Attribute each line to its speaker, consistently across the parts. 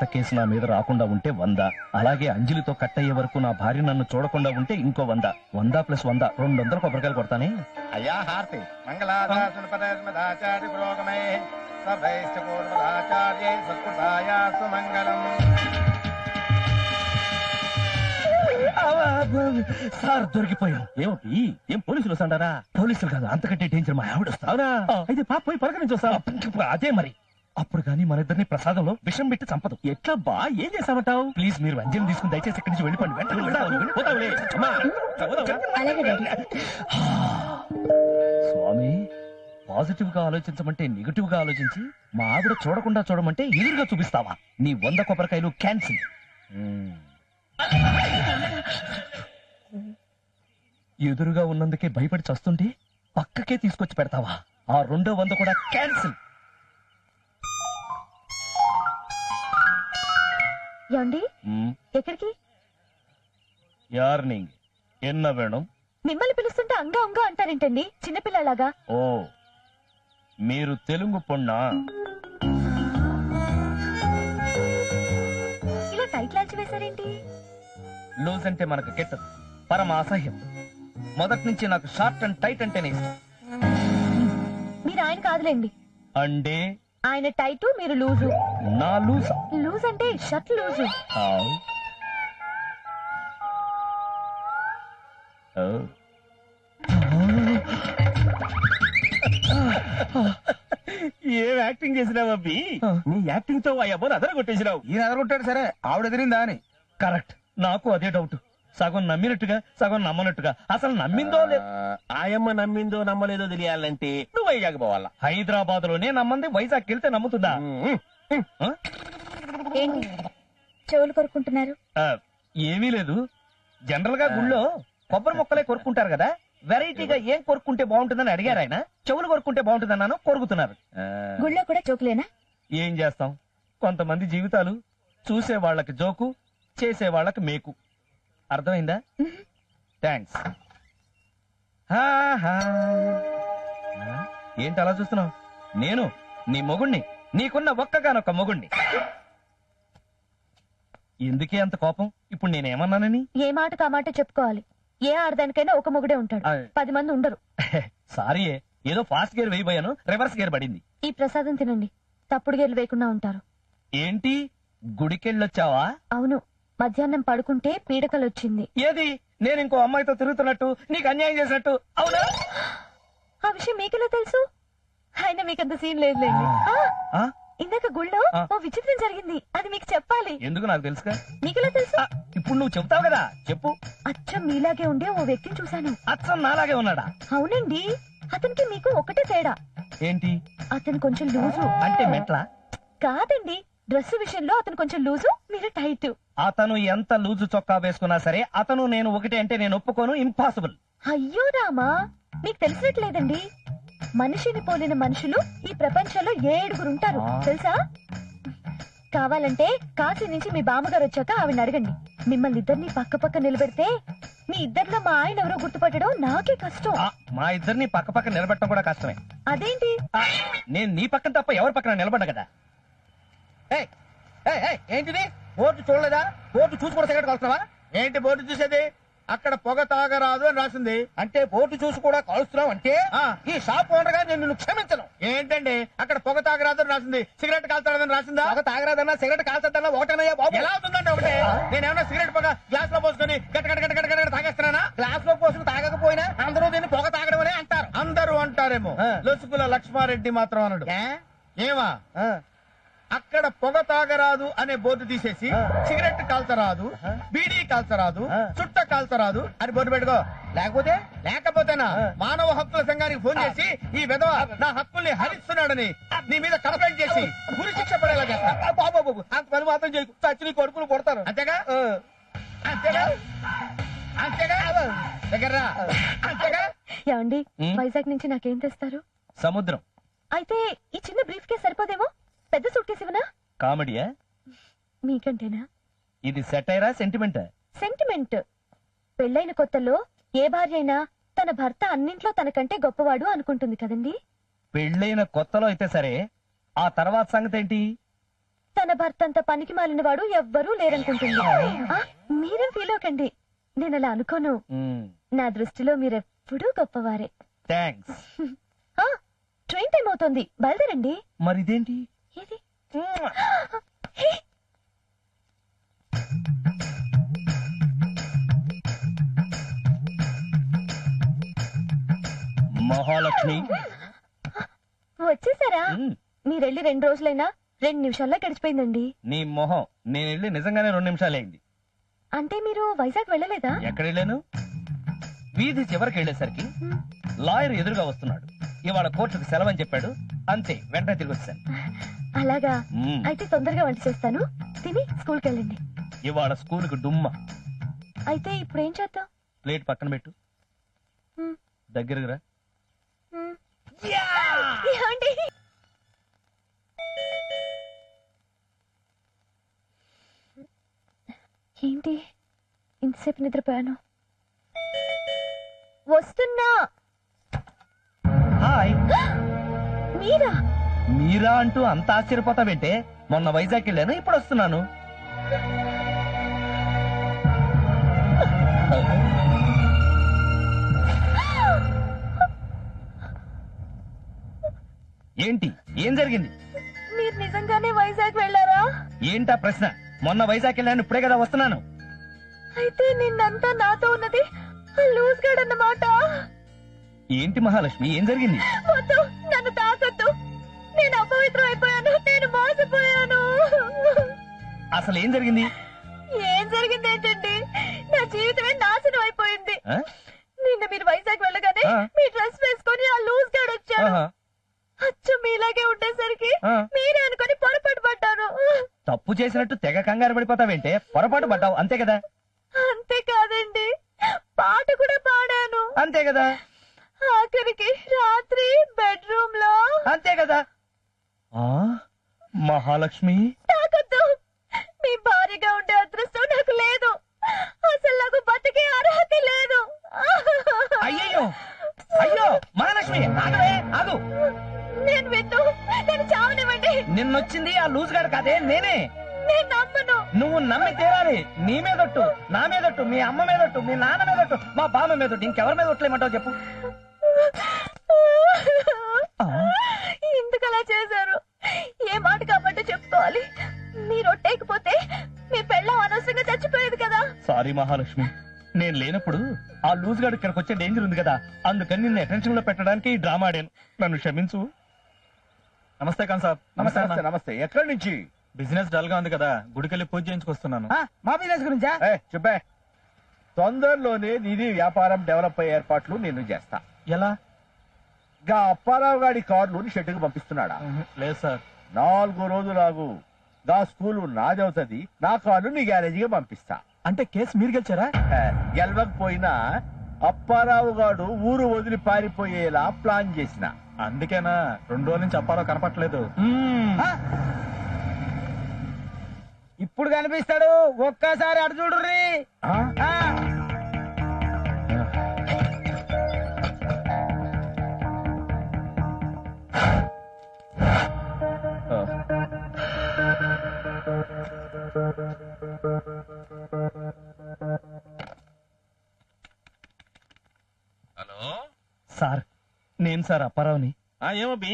Speaker 1: Case నా మీద రాకుండా ఉంటే 100, అలాగే అంజలితో కట్ అయ్యే వరకు నా భార్య నన్ను చూడకుండా ఉంటే ఇంకో 100, 100 + 100 200 కొబ్బరికాయలు కొడతానే.
Speaker 2: అయ్యా హారతి మంగళాచార్య పురోగమే సభైశ్చూర్మదాచార్యై సత్కృతాయాస్తు మంగళం.
Speaker 1: సార్ దొరికిపోయాం. ఏమిటి? ఏం పోలీసులు వస్తాడారా? పోలీసులు కాదు, అంతకంటే డేంజర్ మా ఆవిడ వస్తా. అవునా? అయితే పాప పోయి పలకరించి వస్తా. అదే మరి. అప్పుడు కానీ మన ఇద్దరిని ప్రసాదంలో విషం పెట్టి చంపదు. ఎట్లా బా? ఏం చేస్తామంటావు? ప్లీజ్ మీరు అంజలి తీసుకుని దయచేసి ఇక్కడి నుంచి వెళ్ళిపోండి. స్వామి, పాజిటివ్ గా ఆలోచించమంటే నెగిటివ్ గా ఆలోచించి మా ఆవిడ చూడకుండా చూడమంటే ఎదురుగా చూపిస్తావా? నీ 100 కొబ్బరికాయలు క్యాన్సిల్. ఎదురుగా ఉన్నందుకే భయపడి చస్తుంటే పక్కకే తీసుకొచ్చి పెడతావా? ఆ 2వ 100 కూడా క్యాన్సిల్.
Speaker 3: ఏమండి, ఎక్కడికి?
Speaker 1: యార్నింగ్ ఎన్న వేణం?
Speaker 3: మిమ్మల్ని పిలుస్తుంటే అంగా అంగా అంటారేంటండి చిన్నపిల్లలాగా?
Speaker 1: ఓ, మీరు తెలుగు పొన్నా?
Speaker 3: ఇలా టైట్ లాల్చి వేశారేంటి?
Speaker 1: లూజ్ అంటే మనకు కెట్టదు, పరమ అసహ్యం. మొదటి నుంచి నాకు షార్ట్ అండ్ టైట్ అంటేనే ఇష్టం.
Speaker 3: మీరు ఆయన కాదులేండి.
Speaker 1: అంటే
Speaker 3: ఆయన టైటు, మీరు లూజు.
Speaker 1: నా లూజా?
Speaker 3: లూజ్ అంటే షర్ట్ లూజు.
Speaker 2: ఏం యాక్టింగ్ చేసినావు అబ్బి? నీ యాక్టింగ్ తో అబ్బోని అదరగొట్టేసినావు. ఈయన అదరగొట్టాడు సరే, ఆవిడ ఎదిరిందా అని.
Speaker 1: కరెక్ట్. నాకు అదే డౌట్. సగం నమ్మినట్టుగా సగం నమ్మనట్టుగా. అసలు నమ్మిందో లేదు.
Speaker 2: ఆయమ్మ నమ్మిందో నమ్మలేదో తెలియాలంటే నువ్వు వైజాగ్ పోవాలా.
Speaker 1: హైదరాబాద్ లోనే నమ్మంది వైజాగ్ వెళ్తే నమ్ముతుందా?
Speaker 3: ఏంటి చెవులు కొరుకుంటున్నారు?
Speaker 1: ఏమీ లేదు. జనరల్ గా గుళ్ళో కొబ్బరి మొక్కలే కొరుకుంటారు కదా, వెరైటీగా ఏం కొరుకుంటే బాగుంటుందని అడిగారు ఆయన. చెవులు కొరుకుంటే బాగుంటుందన్నాను, కొరుకుతున్నారు.
Speaker 3: గుళ్ళో కూడా జోకులేనా?
Speaker 1: ఏం చేస్తాం, కొంతమంది జీవితాలు చూసే వాళ్ళకి జోకు, చేసే వాళ్ళకి మేకు. అర్థమైందా? థ్యాంక్స్. ఏంటి అలా చూస్తున్నావు? నేను నీ మొగుణ్ణి, నీకున్న ఒక్కగానొక్క మొగుణ్ణి. ఎందుకే అంత కోపం? ఇప్పుడు నేనేమన్నానని?
Speaker 3: ఏ మాట కామాట చెప్పుకోవాలి. ఏ ఆడదానికైనా ఒక మొగుడే ఉంటాడు, 10 మంది ఉండరు.
Speaker 1: సారీ, ఏదో ఫాస్ట్ గేర్ వేయబోయాను, రివర్స్ గేర్ పడింది.
Speaker 3: ఈ ప్రసాదం తినండి, తప్పుడు గేర్లు వేయకుండా ఉంటారు.
Speaker 1: ఏంటి గుడికెళ్ళొచ్చావా?
Speaker 3: అవును, మధ్యాహ్నం పడుకుంటే పీడకలొచ్చింది.
Speaker 1: ఏది? నేను ఇంకో అమ్మాయితో తిరుగుతున్నట్టు, నీకు అన్యాయం చేసినట్టు. అవునా?
Speaker 3: ఆ విషయం మీకెలా తెలుసు? అయినా మీకంత సీన్ లేదులేండి. ఇందాక గుళ్ళో ఓ విచిత్రం జరిగింది, అది మీకు చెప్పాలి.
Speaker 1: ఎందుకు? నాకు తెలుసుగా.
Speaker 3: మీకెలా తెలుసు?
Speaker 1: ఇప్పుడు నువ్వు చెప్తావు కదా, చెప్పు.
Speaker 3: అచ్చం మీలాగే ఉండే ఓ వ్యక్తిని చూశాను.
Speaker 1: అచ్చం నాలాగే ఉన్నాడా?
Speaker 3: అవునండి, అతనికి మీకు ఒకటే తేడా.
Speaker 1: ఏంటి?
Speaker 3: అతను కొంచెం లూజు.
Speaker 1: అంటే మెట్లా?
Speaker 3: కాదండి, డ్రెస్ విషయంలో అతను కొంచెం లూజు, మీరు టైట్.
Speaker 1: అతను ఎంత లూజు చొక్కా వేసుకున్నా సరే అతను నేను ఒకటే అంటే నేను ఒప్పుకోను. ఇంపాసిబుల్.
Speaker 3: అయ్యో రామా, మీకు తెలిసినట్లేదండి. మనిషిని పోలిన మనుషులు ఈ ప్రపంచంలో 7 ఉంటారు తెలుసా? కావాలంటే కాశీ నుంచి మీ బామ్మగారు వచ్చాక ఆవిడ అడగండి. మిమ్మల్ని ఇద్దరిని పక్క పక్క నిలబెడితే మీ ఇద్దరిలో మా ఆయన ఎవరో గుర్తుపట్టడం నాకే కష్టం.
Speaker 1: మా ఇద్దరిని పక్క పక్క నిలబెట్టడం కూడా కష్టమే.
Speaker 3: అదేంటి?
Speaker 1: నేను నీ పక్కన తప్ప ఎవరి పక్కన నిలబడ్డా కదా.
Speaker 2: ఏంటిది? బోర్డు చూడలేదా? బోర్డు చూసి కూడా సిగరెట్ కాలుస్తున్నావా? ఏంటి బోర్డు చూసేది? అక్కడ పొగ తాగరాదు అని రాసింది. అంటే బోర్డు చూసి కూడా కాలుస్తున్నావు అంటే ఈ షాప్ ఓనర్ గా నేను క్షమించను. ఏంటండి అక్కడ పొగ తాగరాదు అని రాసింది, సిగరెట్ కాల్తాడని రాసిందా? పొగ తాగరాదన్నా సిగరెట్ కాల్చద్దన్నా ఒకటనయ్యా బాబు. ఎలా అవుతుందంటే ఒకటే. నేనేమన్నా సిగరెట్ పొగ గ్లాస్ లో పోసుకొని గట్ట తాగేస్తున్నానా? గ్లాస్ లో పోసుకుని తాగకపోయినా అందరూ దీన్ని పొగ తాగడం అనే అంటారు. అందరూ అంటారేమో, లొసుకుల లక్ష్మారెడ్డి మాత్రం అనడు. ఏమా? అక్కడ పొగ తాగరాదు అనే బోర్డు తీసేసి సిగరెట్ కాల్చరాదు, బీడీ కాల్చరాదు, చుట్ట కాల్చరాదు అని బోర్డు పెట్టుకో. లేకపోతేనా మానవ హక్కుల సంఘానికి ఫోన్ చేసి ఈ విధవ నా హక్కుల్ని హరిస్తున్నాడని నీ మీద కంప్లైంట్ చేసి గురి శిక్ష పడేలా చేస్తా. బాబు అంత పని మాత్రం చేయకు, చచ్చి నీ కొడుకులు కొడతారు. అంతేగా? అంతేగా? అంతేగా? దగ్గర అంతేగా?
Speaker 3: ఏమండి, వైజాగ్ నుంచి నాకేం తెస్తారు?
Speaker 1: సముద్రం.
Speaker 3: అయితే ఈ చిన్న బ్రీఫ్ కేస్ సరిపోదేమో, పెద్ద సూట్ కేసు ఇవ్వనా?
Speaker 1: కామెడీయా?
Speaker 3: మీకంటేనా?
Speaker 1: ఇది సెటైరా సెంటిమెంటా?
Speaker 3: సెంటిమెంట్. పెళ్ళైన కొత్తలో ఏ భార్య అయినా తన భర్త అన్నింట్లో తనకంటే గొప్పవాడు అనుకుంటుంది కదండి.
Speaker 1: పెళ్ళైన కొత్తలో అయితే సరే, ఆ తర్వాత సంగతి ఏంటి?
Speaker 3: తన భర్త అంత పనికి మాలిన వాడు ఎవ్వరూ లేరనుకుంటుంది. మీరేం ఫీల్ అవ్వకండి, నేను అలా అనుకోను. నా దృష్టిలో మీరెప్పుడూ గొప్పవారే.
Speaker 1: థ్యాంక్స్.
Speaker 3: ట్రైన్ టైం అవుతోంది, బయలుదేరండి.
Speaker 1: మరి ఇదేంటి?
Speaker 3: ఏది?
Speaker 1: మహాలక్ష్మి
Speaker 3: వచ్చేసారా? మీరెళ్ళి 2 రోజులైనా 2 నిమిషాల్లో గడిచిపోయిందండి.
Speaker 1: నీ మొహం, నేను వెళ్ళి నిజంగానే 2 నిమిషాలు అయింది.
Speaker 3: అంటే మీరు వైజాగ్ వెళ్ళలేదా?
Speaker 1: ఎక్కడ వెళ్ళాను? వీధి చివరికి వెళ్ళేసరికి లాయర్ ఎదురుగా వస్తున్నాడు. ఇవాళ కోర్టుకు సెలవని చెప్పాడు. అంతే, వెంటనే తిరిగి వచ్చాను.
Speaker 3: అలాగా? అయితే తొందరగా వంట చేస్తాను, తిని స్కూల్కి వెళ్ళండి.
Speaker 1: ఇవాళ స్కూల్కి డుమ్మ.
Speaker 3: అయితే ఇప్పుడు ఏం చేద్దాం?
Speaker 1: ప్లేట్ పక్కన పెట్టు, దగ్గరగా రా.
Speaker 3: ఏమండి? ఏంటి ఇంతసేపు నిద్రపోయాను? వస్తున్నా.
Speaker 1: హాయ్.
Speaker 3: మీరా?
Speaker 1: మీరా అంటూ అంత ఆశ్చర్యపోతావేంటే? మొన్న వైజాగ్ వెళ్ళాను, ఇప్పుడు వస్తున్నాను. ఏంటి, ఏం జరిగింది?
Speaker 3: మీరు నిజంగానే వైజాగ్ వెళ్ళారా?
Speaker 1: ఏంటా ప్రశ్న? మొన్న వైజాగ్ వెళ్ళాను, ఇప్పుడే కదా వస్తున్నాను.
Speaker 3: అయితే నిన్నంతా నాతో ఉన్నది లూజ్ గార్డ్ అన్నమాట.
Speaker 1: ఏంటి మహాలక్ష్మి, ఏం జరిగింది?
Speaker 3: వద్దు, నన్ను తాకద్దు. నేను అపవిత్రం అయిపోయాను, నేను మోసపోయాను.
Speaker 1: అసలు ఏం జరిగింది?
Speaker 3: ఏం జరిగింది ఏంటండి? నా జీవితమే నాశనం అయిపోయింది. నిన్న మీరు వైజాగ్ వెళ్ళగానే మీ డ్రెస్ వేసుకొని ఆ లూజ్ గార్డ్ వచ్చాడు. అచ్చు మీలాగే ఉండేసరికి మీరే అనుకొని పొరపాటు పడ్డాను.
Speaker 1: తప్పు చేసినట్టు తెగ కంగారు పడిపోతావేంటే? పొరపాటు పడ్డావు, అంతే కదా?
Speaker 3: అంతే కాదండి, పాట కూడా పాడాను.
Speaker 1: అంతే కదా?
Speaker 3: ఆఖరికి రాత్రి బెడ్రూమ్ లో.
Speaker 1: అంతే కదా? మహాలక్ష్మి,
Speaker 3: తాకద్దు. మీ భార్యగా ఉండే అదృష్టం నాకు లేదు. అసలు నాకు బతికే అర్హత లేదు.
Speaker 1: అయ్యో అయ్యో మహాలక్ష్మి, ఆగవే, ఆగు.
Speaker 3: నేను విన్ను, నేను చావనివ్వండి.
Speaker 1: నిన్నొచ్చింది ఆ లూజ్ గాడు కాదే, నేనే.
Speaker 3: నేను నమ్మను.
Speaker 1: నువ్వు నమ్మి తీరాలి. నీ మీదొట్టు, నా మీదొట్టు, మీ అమ్మ మీదొట్టు, మీ నాన్న మీదొట్టు, మా బామ్మ మీదొట్టు, ఇంకెవరి మీద ఒట్లేమంటావు చెప్పు.
Speaker 3: ఎందుకు అలా చేశారు? ఏ మాట కాబట్టి చెప్పుకోవాలి. మీరు ఒట్టేకపోతే మీ పెళ్ళం అనవసరంగా చచ్చిపోయేది కదా.
Speaker 1: సారీ మహాలక్ష్మి, నేను లేనప్పుడు ఆ లూజ్ గాడు ఇక్కడికి వచ్చే డేంజర్ ఉంది కదా, అందుకని నిన్ను అటెన్షన్ లో పెట్టడానికి ఈ డ్రామా ఆడాను. నన్ను క్షమించు. నమస్తే ఖాన్ సాబ్.
Speaker 2: నమస్తే. నమస్తే. ఎక్కడి నుంచి?
Speaker 1: బిజినెస్ డల్ గా ఉంది కదా, గుడికెళ్ళి పూజ చేయించుకొస్తున్నాను.
Speaker 2: మా బిజినెస్ గురించా? చెప్పే. తొందరలోనే నిధి వ్యాపారం డెవలప్ అయ్యే ఏర్పాట్లు నేను చేస్తా.
Speaker 1: ఎలా?
Speaker 2: గా అప్పారావు గారి కార్లు షెడ్డుకు పంపిస్తున్నాడా?
Speaker 1: లేదు సార్.
Speaker 2: 4 రోజులు ఆగు. గా స్కూలు నాదవుతుంది, నా కార్లు నీ గ్యారేజీగా పంపిస్తా.
Speaker 1: అంటే కేసు మీరు గెలిచారా?
Speaker 2: గెలవకపోయినా అప్పారావు గారు ఊరు వదిలి పారిపోయేలా ప్లాన్ చేసిన.
Speaker 1: అందుకేనా 2 రోజుల నుంచి అప్పారావు కనపట్లేదు.
Speaker 2: ఇప్పుడు కనిపిస్తాడు, ఒక్కసారి అటు చూడుర్రి.
Speaker 1: హలో సార్, నేను సార్ అప్పారావుని.
Speaker 4: ఏమబ్బి?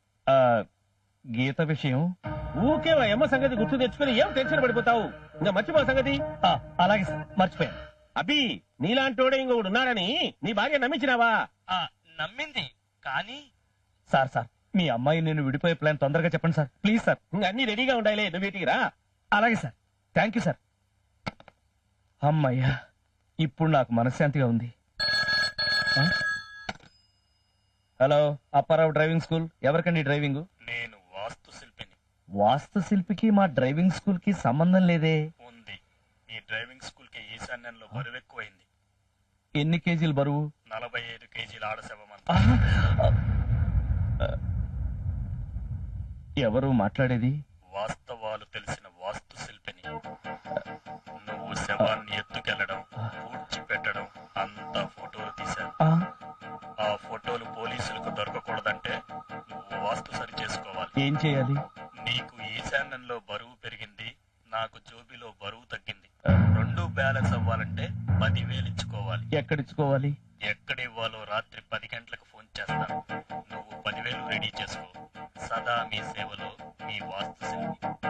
Speaker 1: గీత విషయం.
Speaker 4: ఊకే అమ్మ సంగతి గుర్తు తెచ్చుకుని ఏం టెన్షన్ పడిపోతావు? ఇంకా మర్చిపో సంగతి.
Speaker 1: అలాగే సార్, మర్చిపోయాను.
Speaker 4: అబ్బి, నీలాంటోడే ఇంకొకడు ఉన్నాడని నీ భార్య నమ్మించినావా?
Speaker 1: నమ్మింది కానీ. సార్ సార్, మీ అమ్మాయి నేను విడిపోయే ప్లాన్ తొందరగా చెప్పండి సార్, ప్లీజ్ సార్.
Speaker 4: ఇంకా అన్ని రెడీగా ఉండాలి, నువ్వు వీటికి రా.
Speaker 1: అలాగే సార్, థ్యాంక్ యూ సార్. అమ్మయ్యా, ఇప్పుడు నాకు మనశ్శాంతిగా ఉంది. Hello, Apparao driving school. ఎవరికండి డ్రైవింగ్?
Speaker 5: నేను వాస్తు శిల్పిని.
Speaker 1: వాస్తు శిల్పికి మా డ్రైవింగ్ స్కూల్ కి సంబంధం లేదే.
Speaker 5: ఉంది. ఈ డ్రైవింగ్ స్కూల్ కి ఈశాన్యంలో బరువు ఎక్కువైంది.
Speaker 1: ఎన్ని కేజీలు బరువు?
Speaker 5: 45 కేజీల ఆడశవమంత.
Speaker 1: ఎవరు మాట్లాడేది?
Speaker 5: వాస్తవాలు తెలిసిన వాస్తు శిల్పిని. నువ్వు శవాన్ని ఎత్తుకెళ్లడం, పూడ్చిపెట్టడం అంతా ఫోటోలు తీశాను. ఆ ఫోటోలు పోలీసులకు దొరకకూడదంటే నువ్వు వాస్తు సరి చేసుకోవాలి.
Speaker 1: ఏం చేయాలి?
Speaker 5: నీకు ఈశాన్యంలో బరువు బ్యాలెన్స్ అవ్వాలంటే 10,000 ఇచ్చుకోవాలి.
Speaker 1: ఎక్కడిచ్చుకోవాలి?
Speaker 5: ఎక్కడ ఇవ్వాలో రాత్రి 10 గంటలకు ఫోన్ చేస్తాను. నువ్వు 10,000 రెడీ చేసుకో. సదా మీ సేవలో మీ వాస్తు శిల్పి.